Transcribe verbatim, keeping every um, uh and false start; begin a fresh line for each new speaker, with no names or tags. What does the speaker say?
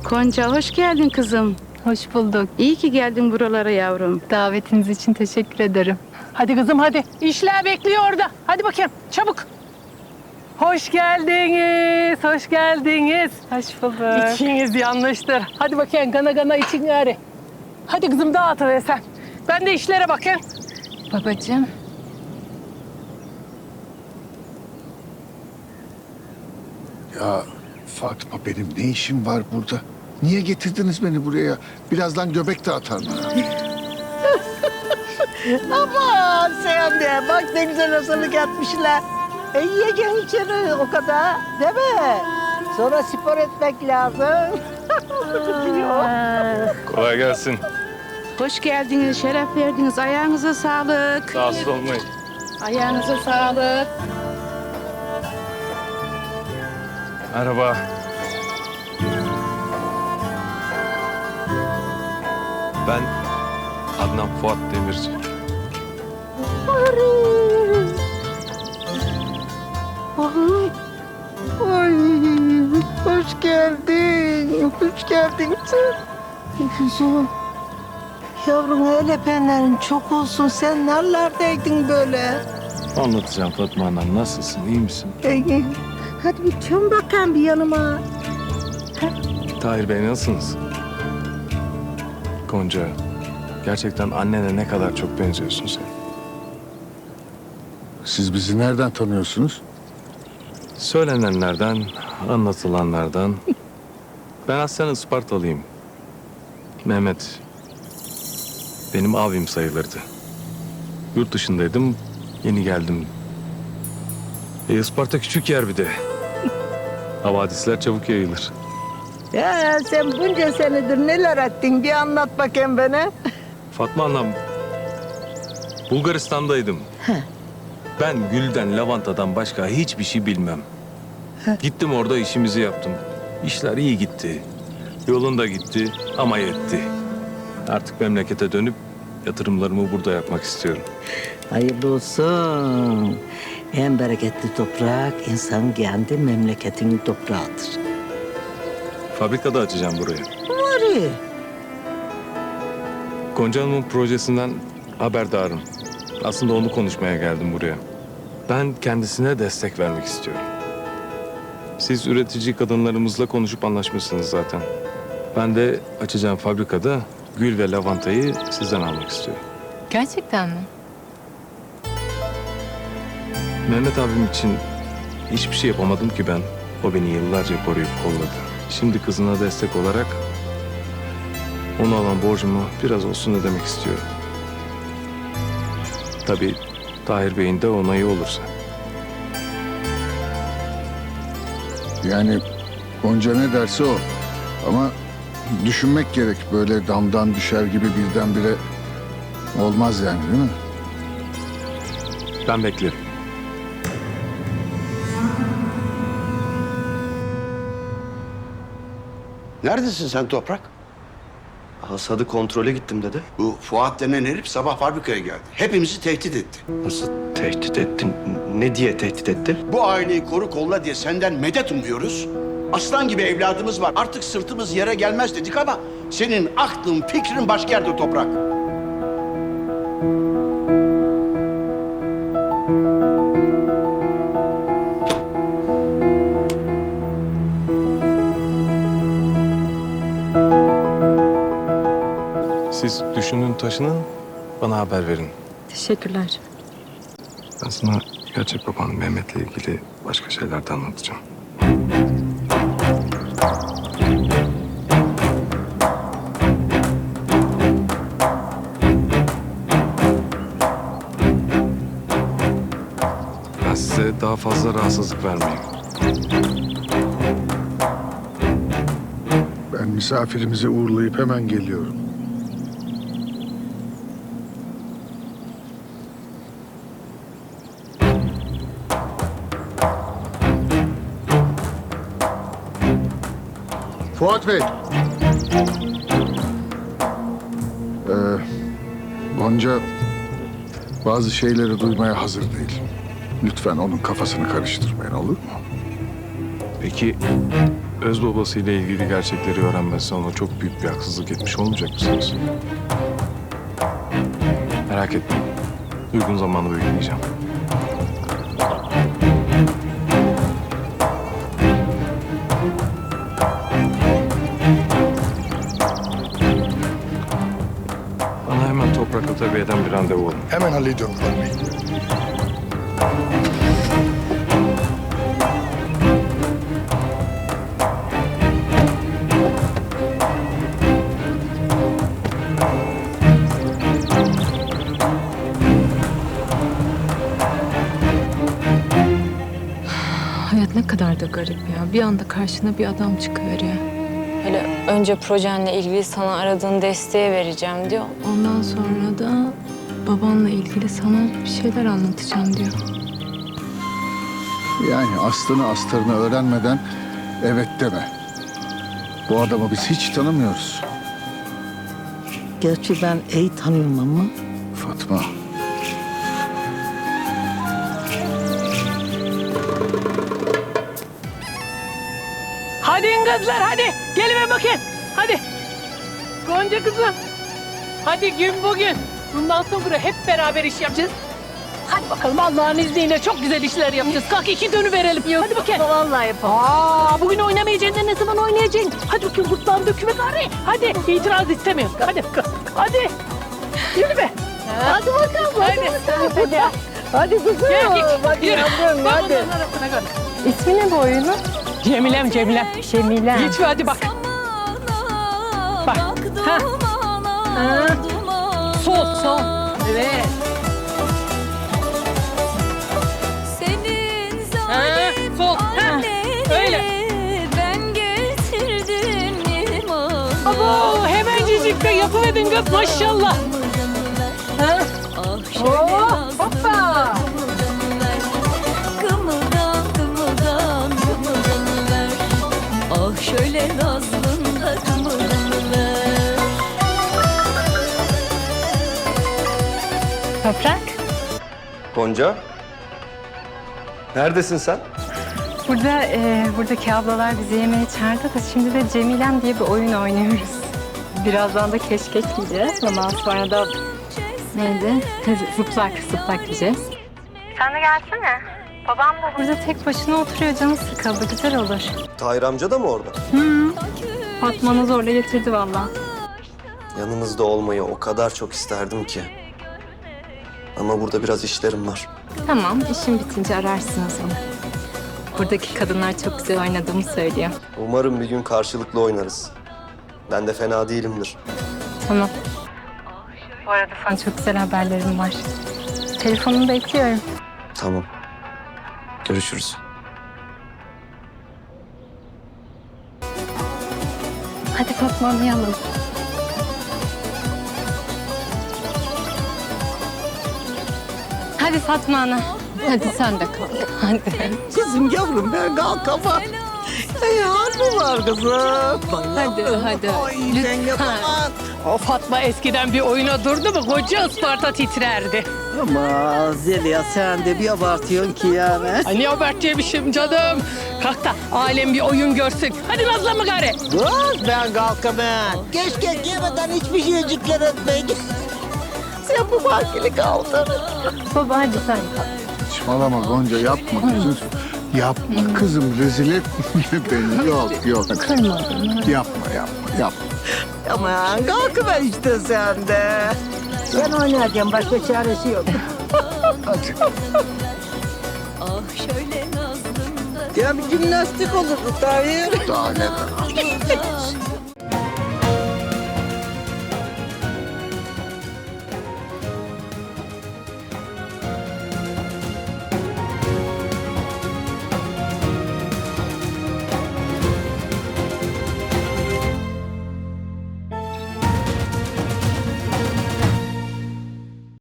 Gonca hoş geldin kızım.
Hoş bulduk.
İyi ki geldin buralara yavrum.
Davetiniz için teşekkür ederim.
Hadi kızım hadi. İşler bekliyor orada. Hadi bakayım çabuk. Hoş geldiniz. Hoş geldiniz.
Hoş bulduk.
İçiniz yanlıştır. Hadi bakayım gana gana için gari. Hadi kızım dağıtıver sen. Ben de işlere bakayım.
Babacığım.
Ya Fatma benim ne işim var burada? Niye getirdiniz beni buraya? Birazdan göbek de atar bana.
Aman sen de bak ne güzel hazırlık yapmışlar. E yiyeceksin içeri o kadar değil mi? Sonra spor etmek lazım.
Kolay gelsin.
Hoş geldiniz, şeref verdiniz. Ayağınıza sağlık.
Rahatsız olmayın.
Ayağınıza sağlık.
Merhaba. Ben Adnan Fuat Demirci.
Ay, ay, hoş geldin. Hoş geldin sen. Kuzum. Yavrum el öpenlerin çok olsun. Sen nerelerdeydin böyle?
Anlatacağım Fatma Hanım. Nasılsın? İyi misin?
Ee, hadi bir çön bakayım bir yanıma.
Tahir Bey nasılsınız? Gonca, gerçekten annene ne kadar çok benziyorsun sen.
Siz bizi nereden tanıyorsunuz?
Söylenenlerden, anlatılanlardan. Ben aslen Ispartalıyım. Mehmet benim abim sayılırdı. Yurt dışındaydım, yeni geldim. E, Isparta küçük yer bir de. Havadisler çabuk yayılır.
Ya sen bunca senedir neler ettin bir anlat bakayım bana.
Fatma Hanım, Bulgaristan'daydım. Ben gülden, lavantadan başka hiçbir şey bilmem. Gittim orada işimizi yaptım. İşler iyi gitti. Yolunda gitti ama yetti. Artık memlekete dönüp yatırımlarımı burada yapmak istiyorum.
Hayırlı olsun. En bereketli toprak insan kendi memleketinin toprağıdır.
Fabrikada açacağım burayı.
Var.
Gonca Hanım'ın projesinden haberdarım. Aslında onu konuşmaya geldim buraya. Ben kendisine destek vermek istiyorum. Siz üretici kadınlarımızla konuşup anlaşmışsınız zaten. Ben de açacağım fabrikada gül ve lavantayı sizden almak istiyorum.
Gerçekten mi?
Mehmet abim için hiçbir şey yapamadım ki ben. O beni yıllarca koruyup kolladı. Şimdi kızına destek olarak ona olan borcumu biraz olsun ödemek istiyorum. Tabii Tahir Bey'in de onayı olursa.
Yani Gonca ne derse o. Ama düşünmek gerek. Böyle damdan düşer gibi birdenbire olmaz yani değil mi?
Ben beklerim.
Neredesin sen Toprak?
Hasadı kontrole gittim dedi.
Bu Fuat denen herif sabah fabrikaya geldi. Hepimizi tehdit etti.
Nasıl tehdit ettin? Ne diye tehdit etti?
Bu aileyi koru kolla diye senden medet umuyoruz. Aslan gibi evladımız var. Artık sırtımız yere gelmez dedik ama senin aklın, fikrin başka yerde Toprak.
Siz düşünün taşının, bana haber verin.
Teşekkürler.
Ben sana gerçek baban Mehmet'le ilgili başka şeyler de anlatacağım. Ben size daha fazla rahatsızlık vermeyeyim.
Ben misafirimizi uğurlayıp hemen geliyorum. Fuat Bey. Ee, Gonca bazı şeyleri duymaya hazır değil. Lütfen onun kafasını karıştırmayın, olur mu?
Peki öz babasıyla ilgili gerçekleri öğrenmezse ona çok büyük bir haksızlık etmiş olmayacak mısınız? Merak etmeyin. Uygun zamanı bekleyeceğim. Bana hemen Toprak Atabey'den bir randevu olun.
Hemen hallediyorum Rıdvan Bey.
Hayat ne kadar da garip ya. Bir anda karşına bir adam çıkıveriyor.
Hele önce projenle ilgili sana aradığın desteği vereceğim diyor.
Ondan sonra da babanla ilgili sana bir şeyler anlatacağım diyor.
Yani aslını astarını öğrenmeden evet deme. Bu adamı biz hiç tanımıyoruz.
Gerçi ben iyi tanıyorum ama.
Fatma.
Hadi kızlar hadi. Gelin bakayım. Hadi. Gonca kızım. Hadi gün bugün. Bundan sonra hep beraber iş yapacağız. Hadi bakalım Allah'ın izniyle çok güzel işler yapacağız. Kalk iki dönü verelim. Hadi bakayım.
Vallahi yapamam.
Aa, bugün oynamayacaksın da ne zaman oynayacaksın? Hadi bakayım gırtlağını döküme gari. Hadi itiraz istemiyorum. Hadi. Hadi. Yürü be.
Hadi bakalım. Hadi. Hadi. Hadi kızım.
Gel git.
Hadi
Yürü.
yavrum,
Bak
hadi.
onların arasına gari.
İsmi ne bu oyunun?
Cemilem Cemilem.
Cemile.
Git hadi bak. Bak. Ha. Ha. Sol sol. Evet. Ha, sol. Ha. Öyle.
Ben getirdim
Abo, hemencecik de yapıverdin kız maşallah. Ha. Oo, hoppa.
Kımıldan kımıldan kımıldanıver. Ah şöyle nazlında kımıldanıver.
Toprak.
Gonca. Neredesin sen?
Burada, e, buradaki ablalar bizi yemeğe çağırdı da şimdi de Cemilem diye bir oyun oynuyoruz. Birazdan da keşkek yiyeceğiz. Ondan sonra da neydi? Zıplak, zıplak yiyeceğiz. Sen de gelsene. Babam da burada tek başına oturuyor. Canı sıkıldı. Güzel olur.
Tahir amca da mı orada?
Hı. Fatma'nı zorla getirdi vallahi.
Yanınızda olmayı o kadar çok isterdim ki. Ama burada biraz işlerim var.
Tamam, işin bitince ararsınız onu. Buradaki kadınlar çok güzel oynadığımı söylüyor.
Umarım bir gün karşılıklı oynarız. Ben de fena değilimdir.
Tamam. Bu arada sana çok güzel haberlerim var. Telefonunu bekliyorum.
Tamam. Görüşürüz.
Hadi Fatma anlayalım. Hadi Fatma ana. Hadi sen de kalk. Hadi.
Kızım yavrum ben kalkamam. Ay harbi var kızım.
Hadi hadi.
Ay ben yapamam.
O Fatma eskiden bir oyuna durdu mu koca Isparta titrerdi.
Ama Zeliha sen de bir abartıyorsun ki yani.
Ay ne abartıymışım canım. Kalk da alem bir oyun görsün. Hadi nazlanma gari.
Kız ben kalkamam. Keşke yemeden hiçbir şeycikler etmeyin. Sen bu vakili kaldır.
Baba hadi sen kalk.
Saçmalama Gonca yapma kızım. Yapma kızım rezil etme beni. Yok yok.
Kırma beni.
Yapma yapma yapma.
Aman kalkıver işte sen de. Ben oynayacağım başka çaresi yok.
Hadi.
Ah şöyle nazlında
Ya bir jimnastik olurdu Tahir.
Daha neler.